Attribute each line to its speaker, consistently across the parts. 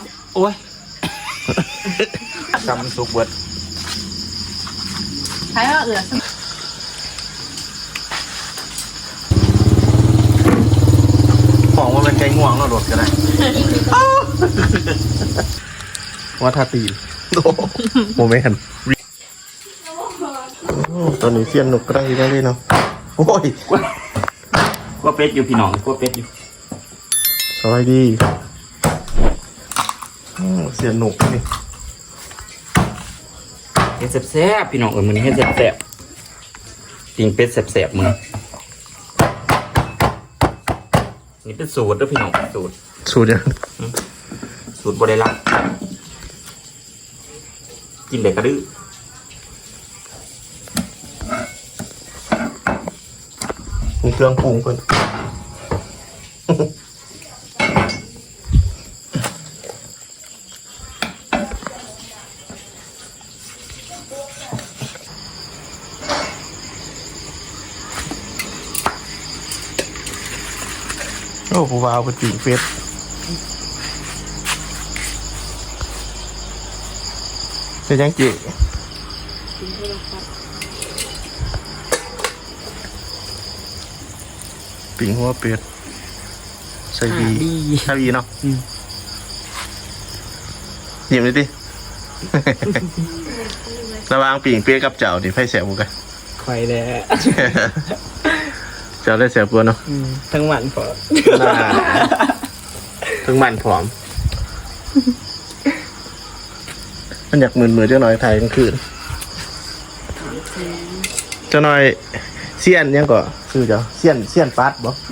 Speaker 1: โอ้ยซ้ำซุปเบิด
Speaker 2: ใช่ว่า
Speaker 1: ของว่าเป็นไก่ง่วงเราโดดกันได้ว่าทาตีโมเมนต์ตอนนี้เสียนหนุกกระไรได้เลยเนาะโอ้ย
Speaker 3: ก็เป็ดอยู่พี่น้องก็เป็ดอยู่
Speaker 1: สบายดีเสียนหนุกนี่
Speaker 3: เฮ็ดแซ่บๆพี่น้องมื้อนี้เฮ็ดแซ่บๆปิ้งเป็ดแซ่บๆมื้อนี่เป็นสูตรเด้อพี่น้อง
Speaker 1: สูตรยัง
Speaker 3: สูตรบ่ได้ลักกินได้กระดื้อ
Speaker 1: มีเครื่องปรุงเพิ่นโอ้ผู้บ่าวเป็นปีกเฟสจะยังจีปิ่งหัวเป็ดใส่ดีใส่ดีเนาะหยิบเลยดิระวังปิ่งเป็ดกับเจ้าดิไฟแสบบุกัน
Speaker 4: ไข่แล้
Speaker 1: เจ้าได้แสบตัวเนาะ
Speaker 4: ทั้งมันพอ
Speaker 1: ทั้งมันผอมมันอยากมือเจ้าหน่อยไทยกลางคืนเจ้าหน่อยเสี้ยนยังก่อคือเจ้าเสี้ยนปัดบ่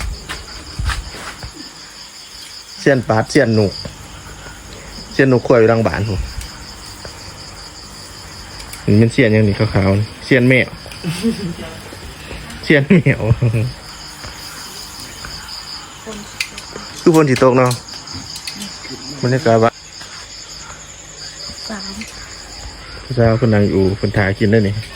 Speaker 1: เสี้ยนปัดเสี้ยนหนุกข่อยอยู่รังบานผมนี่มันเสี้ยนยังนี่ขาวๆเสี้ยนแมวคือฝนสิตกเนาะบรรยากาศว่าพระเจ้าคนนั่งอยู่คนถ่ายกินได้นี่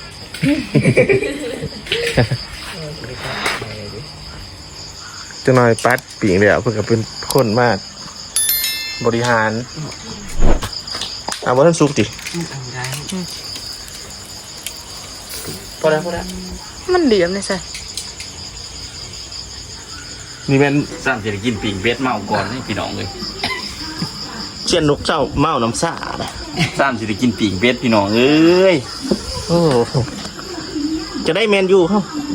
Speaker 1: จะน้อยปัดปิ่งเดียวเพื่อเป็นคนมากบริหารว่าท่านซุปดิพอแล้ว
Speaker 2: มันเหลี่ยมเลยสิ
Speaker 1: นี่เป็น
Speaker 3: ซ้ำจะได้กินปิ้งเป็ดเมาก่อนนี่พี่น้องเลย
Speaker 1: เชียนนกเจ้าเมาน้ำซ่า
Speaker 3: ซ้ำจะได้กินปิ้งเป็ดพี่น้องเอ้ย
Speaker 1: โอ้จะได้แมนยูเขา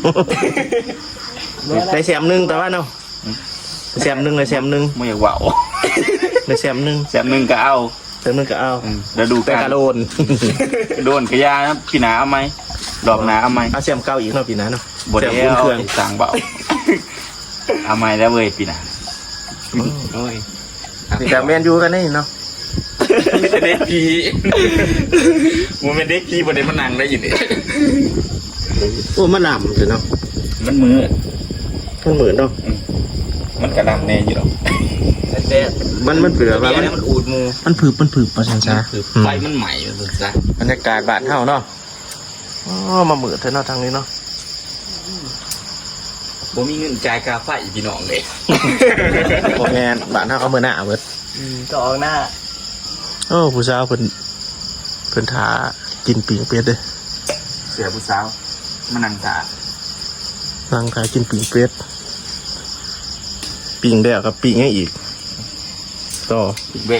Speaker 1: ได้แซมหนึ่งแต่ว่าเนาะแซมหนึ่งเลยแซมหนึ่ง
Speaker 3: ไม่อยากว่าว
Speaker 1: ได้แซมหนึ่ง
Speaker 3: ก็เอา
Speaker 1: แล้วดูการโด
Speaker 3: นกระยานะพี่หนาเอาไหมดอกหนาเอาไหม
Speaker 1: เอาแซมเก้าอีกเนาะพี่หนาเนาะ
Speaker 3: บดเอวสั่งเบาเอาไหมแล้วเว้ยพี่หนาโอ้ย
Speaker 1: แต่แมนยูกันนี่เนาะ
Speaker 3: เด็กพี่มันเป็นเด็กพี่บนเด็กมันนั่งได้ยินดิ
Speaker 1: โอ้มันหนำเลยเนาะ
Speaker 3: มันมือ
Speaker 1: เนาะ
Speaker 3: มันกระดำแน่อยู่หรอกแต่
Speaker 1: มันเปลือก
Speaker 3: มันอูดมู
Speaker 1: มันผืบประชันช้า
Speaker 3: ไฟมันใหม่เลยจ้ะ
Speaker 1: บรรยากาศบ้านเฮาเนาะอ๋อมาเหมือนเธอเนาะทางนี้เนาะ
Speaker 3: บ่มีเงินจ่ายค่าไฟพี่น้องเลย
Speaker 1: โอเคบ้านเฮาเอามือหน้าเบิด
Speaker 4: ก็ออกหน้า
Speaker 1: โอ้ผู้สาวเพิ่นทากินปิ่งเป็ดเลย
Speaker 3: เสียผู้สาวมานั่งทา
Speaker 1: กินปิ่งเป็ดปิ่งได้กับปิ่งให้อีกต่อ
Speaker 3: ปิ่งเบะ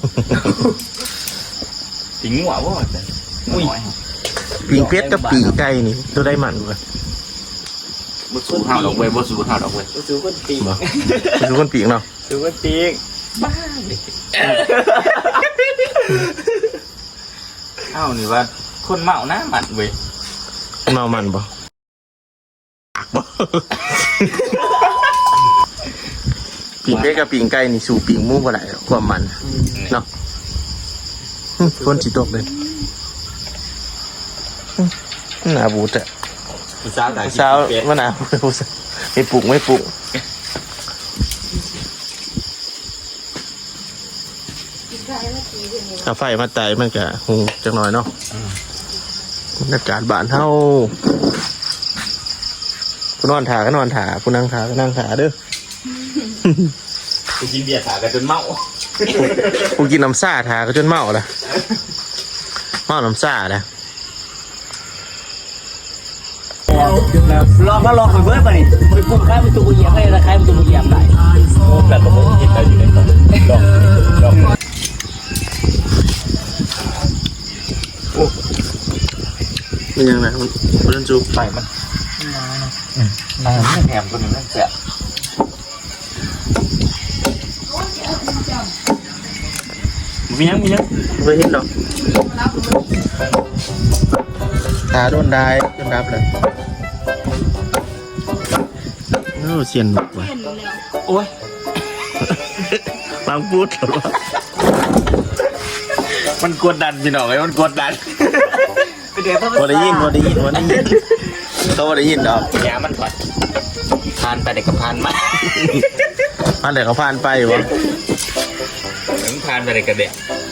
Speaker 3: ปิ่งหัวบ่จ้ะ
Speaker 1: ปิ่งเป็ดกับปิ่งไก่นี่ตัวได้มันกว่า
Speaker 3: บ่สู้เฮาดอกเว้ย
Speaker 4: สู้คนปีก
Speaker 1: สู้คนปีกเนาะ
Speaker 4: สู้คนปีกบ้า
Speaker 3: เอ้านี่ว่าคนเมานะมันเว้ย
Speaker 1: เมามันบ่ปิ่งเป็ดกับปิ่งไก่นี่สู่ปิ่งหมูบ่ได้ความมันเนาะคนสิตกเลยหน้าบูดอะสาวว่าหน้าบูดไม่ปลุกถ้าไฟมาไต่มันก็หูจังหน่อยเนาะบรรยากาศบ้านเฮาผู้นอนถาก็นอนถาผู้นั่งถาก็นั่งถาเด้อ
Speaker 3: ไปกินเบียร์ถากันจนเมา
Speaker 1: กูกินน้ำซ่าทาก็จนเมาละเมาน้ำซ่าละ
Speaker 4: ลองก็ลองไปเบิร์ดไปไปกุ้งข้าวเป็นตัวเหยียบให้ราคาเป็นตัวเหยียบได้
Speaker 3: แบบผมกินได้อยู่ในตอนลอง
Speaker 1: มันยังไงมันจุก
Speaker 3: ไปมันน้ำแหมตัวนึงนั่นแสบมียัง
Speaker 1: ไม่เห็นหรอกตาโดนได้โดนดับเลยเสียนหนุกว่ะ
Speaker 3: โอ้ย
Speaker 1: บางพูดหรอ
Speaker 3: มันกดดันพี่น้องไอ้มันกดดัน
Speaker 1: พอได้ยินเขาพอได้ยินดอก
Speaker 3: แย่มันก่อนผ่านไปเด็กก็ผ่านมา
Speaker 1: อันไหนเขาผ่านไปวะ
Speaker 3: ถึงผ่านไปเด็กก็เด็ก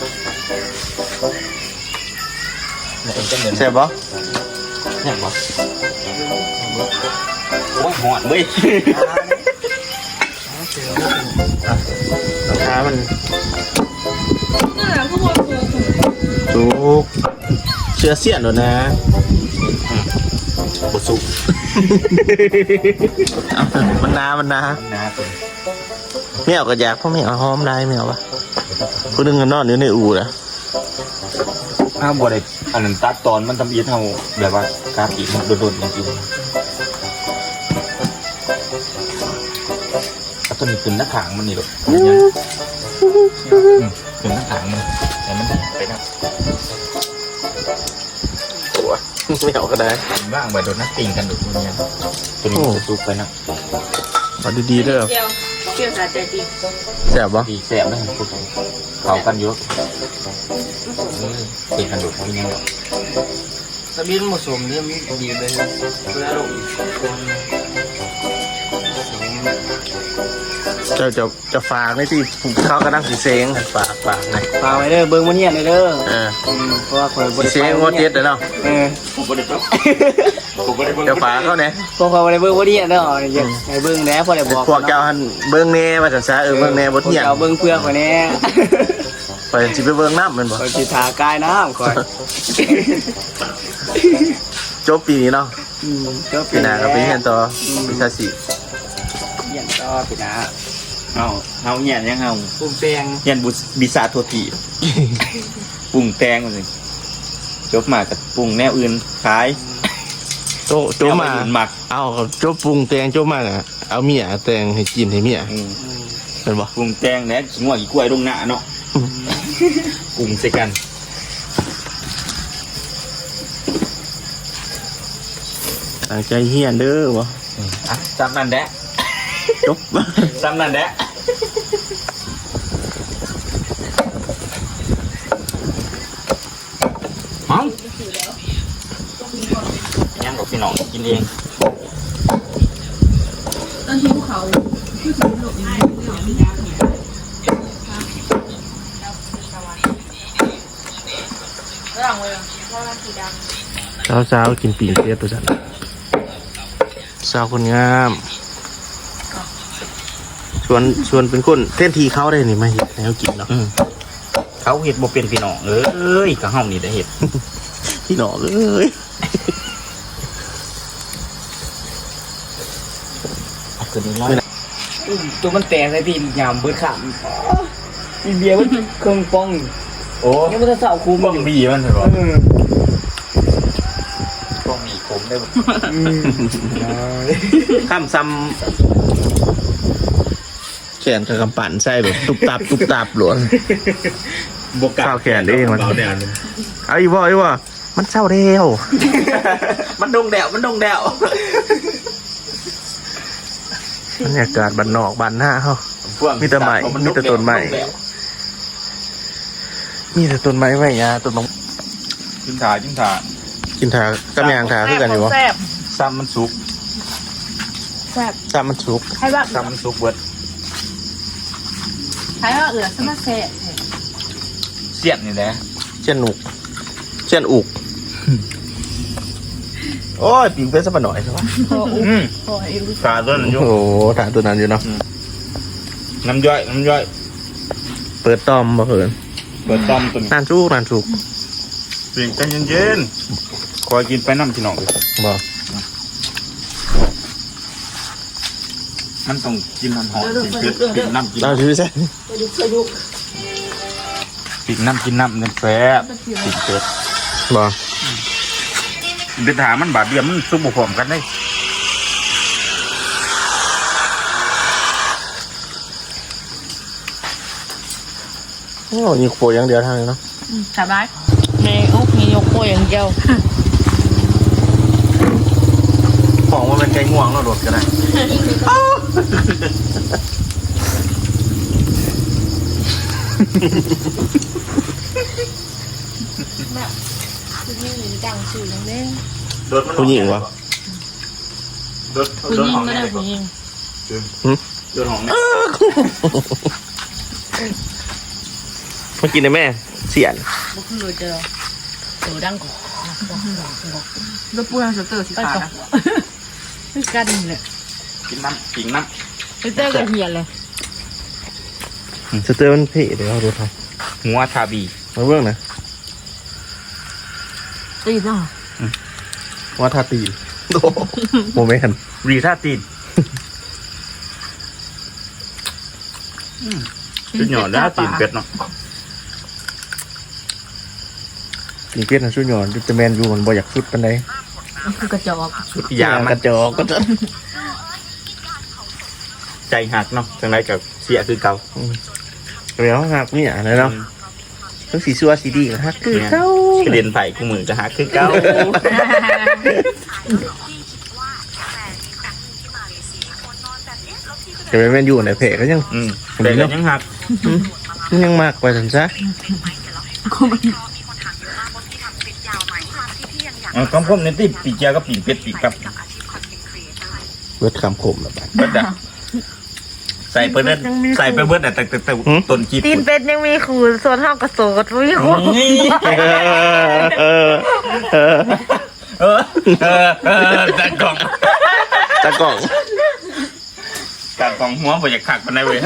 Speaker 3: เนี่ยจะเหมือน
Speaker 1: ใช่ปะ
Speaker 3: เนี่ยปะโอ้ยหอนเว้ย
Speaker 1: ราคามัน
Speaker 2: นั่นแหละก็บอกกู
Speaker 1: จุกเชื้อเสียนหรอนะ
Speaker 3: บสุก
Speaker 1: มันนา
Speaker 3: นาตัว
Speaker 1: ไม่เอากระยากเพราะไม่เอาหอมได้ไม่เอาปะกูดึงกันนอนอยู่ในอู่นะ
Speaker 3: ถ้าบวชอันนั้นตัดตอนมันทำอีเท่าแบบว่าการอีมันโดนๆอย่างอื่นเอาตัวนี้ขึ้นหน้าขางมันนี่หรอกขึ้นหน้าขางมันแต่มันไปนะ
Speaker 1: ตัวไม่เอาก็ได้
Speaker 3: ว่างไปโดนนักติงกันดูมันยังตัวนี้มันสุกไปนะ
Speaker 1: เอาดีๆเด้อ
Speaker 2: เกี่ยวสาใจจริง
Speaker 1: แซ่บปะ
Speaker 3: ดีแสบนะพวกเขากันเยอะติงกันดูมันยัง
Speaker 4: ตะบินผสมเนี่ยมีดีเลยเวลาลง
Speaker 1: จะฝากในที่ผูกเขากระดังสีเซงฝากหน่อย
Speaker 4: ฝากไว้เด้อเบิ้งมันเหี้ยเลยเด้อ เพราะว่าคอยบ
Speaker 1: สี
Speaker 4: ริ
Speaker 1: เซงงดเจ็ดเด้อเนาะ
Speaker 3: ผมก็ได้ครับผมก็ได้เบิ่ง
Speaker 1: จะฝากเขาเนี่ย
Speaker 4: พวกคอยบริเบิ้งวันเหี้ยเด้อเนี่ยไอ้เบิ้งแหน่พอได้บอก
Speaker 1: พวกเจ้าหันเบิ้งแน่ว่าจะซะเบิ้งแน่บทเที่ยง
Speaker 4: พวกเจ้าเบิ้งเพื่อคอยแน่
Speaker 1: ไปสิไปเบิ้งน้ำมันบ่
Speaker 4: คอยสิทากายน้ำคอย
Speaker 1: จบปีนี้เนาะ
Speaker 4: ก็
Speaker 1: ปีหน้าก็ไปเรียนต่อวิชาสี
Speaker 4: เหี้ยต่อปีหน้า
Speaker 3: เอาเหี้ยยังเอา
Speaker 4: ปุ่มแปง
Speaker 3: เหี้ยบิซาโทตีปรุงแตงมันเลยจบมากับปรุงแนวอื่นขาย
Speaker 1: โจมา
Speaker 3: แนวอื่นหมัก
Speaker 1: เอาโจปรุงแตงโจมาอ่ะเอาเมียแตงให้กินให้เมียเป็นบ่
Speaker 3: ปรุงแตงแล้วขิงหัวกี่กล้วยลงหน้าเนาะปรุงใส่กัน
Speaker 1: ตั้งใจเฮียนเด้อบ่
Speaker 3: จำนั่นแหละ
Speaker 1: จบ
Speaker 3: จำนั่นแหละฮังยังกับพี่น้องกินเอง
Speaker 2: ตอนหิวเขาคือถึงหลบอยู่ระหว่างเวลาเพราะว่าสีดำ
Speaker 1: เช้ากินปีกเสียตัวจันสาวคนงามชวนเป็นคนเต้นทีเขาได้นี่มาเห็ดแนวกินเนาะ
Speaker 3: เขาเห็ดบ่เป็นพี่น้องเอ้ยก็เฮานี่ได้เห็ด
Speaker 1: พี่หนอเอ้ย
Speaker 3: ตัวนี้ร้อย
Speaker 4: ตัวมันแตกเลยพี่ยามเบิดขามมีเบียร์มันเครื่องป้อง
Speaker 3: โอ้
Speaker 4: ยังไม่ได้เสาคู
Speaker 3: บ้องบีมันเหรอ
Speaker 4: เออ
Speaker 3: บ้องบีผมได้บ่
Speaker 1: ข้ามซ้ำแขนกับกำปั่นใส่แบบตุบตับหลวน
Speaker 3: บวกกับ
Speaker 1: ข้าวแขนเองมัน
Speaker 3: เบาแดด
Speaker 1: เอาอีบ่มันเศร้าเร็ว
Speaker 3: มันดงแดวมันดงแดว
Speaker 1: บรรยากาศบ้านนอกบ้านหน้าเขา มีแต่ไม้มีแต่ต้นไม้ มีแต่ต้นไม้ไว้ยาต้นมะ
Speaker 3: จิ้มถา
Speaker 1: กินถากับยางถาคือกันอยู่วะ
Speaker 2: แซ่บ
Speaker 3: ซ้ำมันสุก
Speaker 2: แซ่บ
Speaker 1: ซ้ำมันสุก
Speaker 2: ให้ว่า
Speaker 3: ซ้ำมันสุกเบิด
Speaker 2: ให้ว่าเอือสมาแซ่บ
Speaker 3: เสียบนี่แหละ
Speaker 1: เช่นอุกโอ้ยปิงเป็นสักหน่อยใช่ปะ
Speaker 2: พออุ้มพออิว
Speaker 3: ขาต้นนั้นอยู่
Speaker 1: โอ้โหถาตัวนั้นอยู่เนาะ
Speaker 3: น้ำย่อย
Speaker 1: เปิดต้อมบ่เพิ่น
Speaker 3: เปิดต้อมตัวนี้
Speaker 1: นานสุก
Speaker 3: เปลี่ยนใจเย็นๆคอยกินไปน้ำพี่น้องเลย
Speaker 1: บ่
Speaker 3: มันต้องกินน้ำหอมกินน้ำกิน
Speaker 1: เอาชื่อใช่
Speaker 3: กินน้ำเงินแซ่บกินเป็ด
Speaker 1: บ่
Speaker 3: เดือดหามันบาดเดียวมันซุปบุพร้อมกันได้
Speaker 1: โอ้ยิงโปอย่างเดียวเท่านั้นเนาะ
Speaker 2: สบาย
Speaker 5: ในอุกมียกโป้อย่างเดียว
Speaker 1: ของมันเป็นไก่ง่วงเราโดดกันได้
Speaker 5: คือมีดังสื่อนั่นเอง
Speaker 1: ผู้หญิงวะ
Speaker 5: ผู้หญิงไม่ได้ผู้หญิง
Speaker 3: โดนหอมเนี่ย
Speaker 1: มากินได้แม่เสียน
Speaker 5: บุกเลยเจอตัวดังก่อน
Speaker 2: แล้วปูทางสเตอร์สีขาวนะ
Speaker 5: คือกันเลย
Speaker 3: กินน้ำกินน้
Speaker 5: คือเจอกับเฮียเลย
Speaker 1: สเตอร์มันเพ่เดี๋ยวเราดูท
Speaker 3: ำหัวชาบี
Speaker 1: ำมาเบื้องนะ
Speaker 5: ตีเนาะ
Speaker 1: ว่าทาตีนโมเมนต์
Speaker 3: รีท่าตีนชุดหยอดได้ตีนเป็ดเนาะ
Speaker 1: กินเป็ดนะช่วยหย่อนจะแมนยูมันบ่อยากสุดปันใด
Speaker 5: คือกระจอก
Speaker 3: ชุดยามั
Speaker 1: ก
Speaker 3: น
Speaker 1: ระจอกก็จะ
Speaker 3: ใจหักเนาะจังไรกับเสียคือเก่า
Speaker 1: เดี๋ยวหักเนี่ยนะเนาะต้องสีซัวสีดีกันฮักคือเก้าก
Speaker 3: ระเด็นไผ่กูมือจะหักคือเก่า
Speaker 1: จะเป็นแมนยูในเพจก็ยัง
Speaker 3: แต่ก็ยังหัก
Speaker 1: ยังมากไปสันซะ
Speaker 3: คำคมในที่ปีเจียก็ปีเป็ดปีกับ
Speaker 1: เบิดคำคมแบบนั้น
Speaker 3: เบิดอะใส่ไปเบิดใส่ไปเบิดอะแต่ต้นจีบ
Speaker 5: ตีนเป็ดยังมีขูดส่วนห้องกระโสดวิ่ง
Speaker 3: นี่ ตากล่อง
Speaker 1: ตะกล่อง
Speaker 3: ตากล่องหัวบ่อยากขักมันได้เว้ย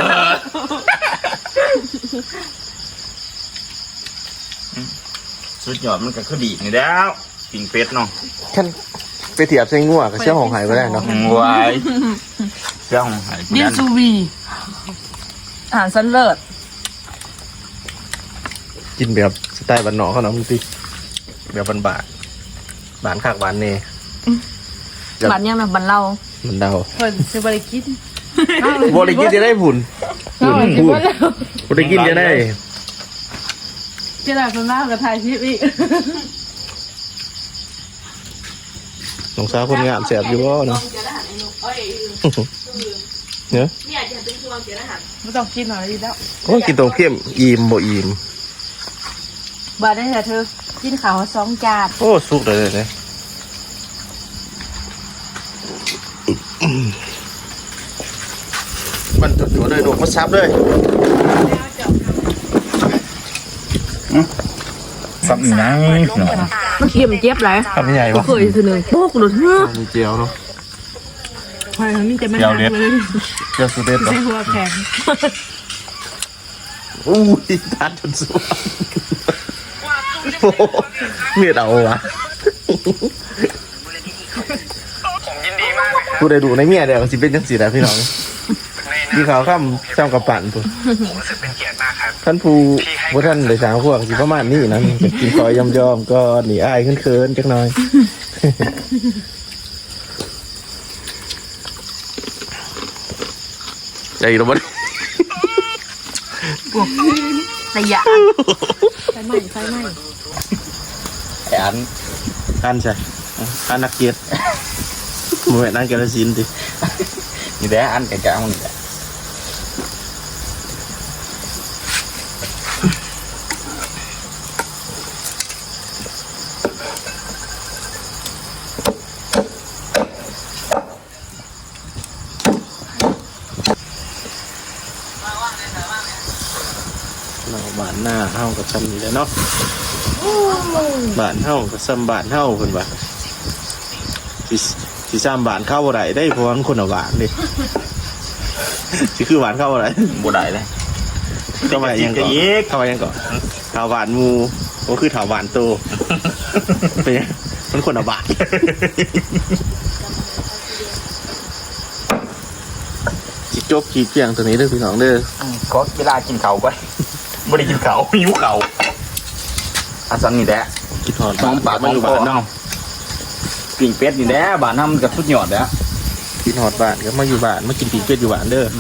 Speaker 3: สุดยอดมันก็คือดีนี่แล้วปิ่งเป็ดเนาะ
Speaker 1: ขั้นไปเทียบใส่งัวกับเชี่ยวของหายไปได้เนาะ
Speaker 3: วายเสื้อของหาย
Speaker 2: ดิวซูวีอาหารชั้นเลิศ
Speaker 1: กินแบบสไตล์บ้านนอกเขาเนาะมึงสิแบบบานบานขากบานเน่
Speaker 2: บัตรยังนะบัตรเรา
Speaker 1: มันเดา
Speaker 5: เพิ่นซื้อบริกิน
Speaker 1: บริกินจะได้ผุนผุนบริกินจะได้
Speaker 2: เจ้าหน้าที่มากกับไทยชิปอีก
Speaker 1: น้องสาวคนงามแสบอยู่บ่เนาะเนาะ
Speaker 5: ไม่ต้องกินหน่อยดีแล้ว
Speaker 1: โอ้กินตรงเข้มอิ่มบ่อิ่ม
Speaker 5: บาได้แต่เธอกินข้าว2 จาน
Speaker 1: โอ้สุกเลยเลยมันจุดๆเลยดอกมาซับเลย
Speaker 3: สับหนังเนาะ
Speaker 2: มันเค็มเจ็บไร
Speaker 1: ทำใหญ่ปะ
Speaker 2: เคยทีหนึ่งโป๊กหลุดเนื้อ
Speaker 1: มีเจียวเนาะ
Speaker 2: ใช่มีแต่มัน
Speaker 3: เจียวเล็ด
Speaker 2: เลย
Speaker 1: เจียวสุดเด็ดเนาะ
Speaker 2: ใช่หัวแข็ง
Speaker 1: อู้ยทานจนสวยโอ้โหเมียดเอาวะผู้ใดดูในเมียเดี๋ยวสิเป็นจังสีแหละพี่น้องพี่เขาข้ามซ้ำกับปั่นปุ๊ท่านผู้ว่าท่านเลยสามพวกสิประมาณนี้นะกินคอยยอมๆก็หนีอายขึ้นเคินจักหน่อยใจระบด
Speaker 2: ระยะ
Speaker 5: ไฟไหม้ไฟไหม้
Speaker 3: อัน
Speaker 1: อันใช่อันนักเกียรติมือนั่งแกละสินดิ
Speaker 3: นี่แหละอันแก่ๆมันนี่แหละ
Speaker 1: เราบ้านหน้าเฮากับซ้ำนี่แหละเนาะบ้านเฮากับซ้ำบ้านเฮาเพิ่นว่าสิซ้ำบ้านเข้าบ่ได้ได้เพราะว่ามันคนละบ้านเด้สิคือบ้านเข้าบ่ได้
Speaker 3: บ่ได้เลย
Speaker 1: ก็มายังก่อนเข้ามายังก่อนถาวานมูก็คือถาวานโตเป็นยังมันคนละบาทจิจบขีดเพียงตัวนี้เด้อพี่น้องเด้อ
Speaker 3: ก็เวลากินเขาไปไม่ได้กินเขาหิวเขาอาซันนี่แหละ
Speaker 1: กินหอด
Speaker 3: น้องปาก
Speaker 1: มาอยู่บ้าน
Speaker 3: เนาะปิ่งเป็ดนี่แหละบ้านน้ำกับสุดยอดแล้ว
Speaker 1: กินหอดบ้านก็มาอยู่บ้านมากินปีกเป็ดอยู่บ้านเด้อ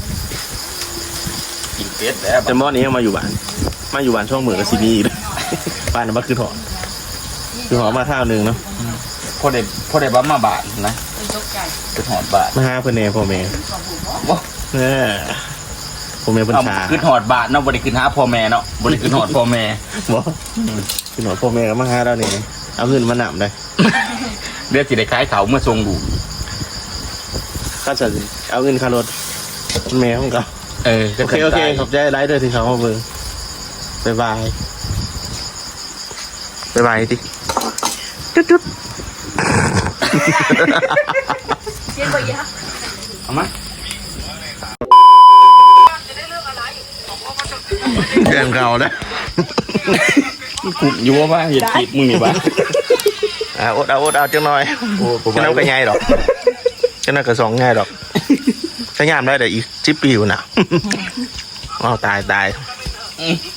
Speaker 3: ปิ่งเป็ดแล้ว
Speaker 1: แต่หม้อนี้ยังมาอยู่บ้านช่วงเหมือนกับซีนีเลยบ้านนั้นมาคือหอดมาข้าวหนึ่งเนาะ
Speaker 3: พอได้บ้ามาบาทนะคือหอดบาท
Speaker 1: มาหาเพื่อนเน่พ่อแม่
Speaker 3: ว้า
Speaker 1: เนี่ยพ่อแม่เพิ่นชา
Speaker 3: คือหอดบาทเนาะบริคือหาพ่อแม่เนาะบริคือหอดพ่อแม่
Speaker 1: บ่คือหอดพ่อแม่ก็มาหาเราเนี่ยเอาเงินมาหนำได้
Speaker 3: เดี๋ยวสิได้ขายเขาเมื่อทรงดู
Speaker 1: ก็จะเอาเงินค่ารถแม่ของเขา โอเคขอบใจไลฟ์เด้อที่เขามาเบิ่งบ๊ายบายติจุด
Speaker 5: เย็นบ่ยะ
Speaker 3: เอามา
Speaker 1: เรื่องเก่านะ
Speaker 3: กูอยู่ว่าเห็นจีบมึงนี่บ้า
Speaker 1: อดเอาจังหน่อยจะน้ำกระไงดอกจะน่ากระสองง่ายดอกใช้งานได้แต่อีก10 ปีอยู่นะอ้าวตาย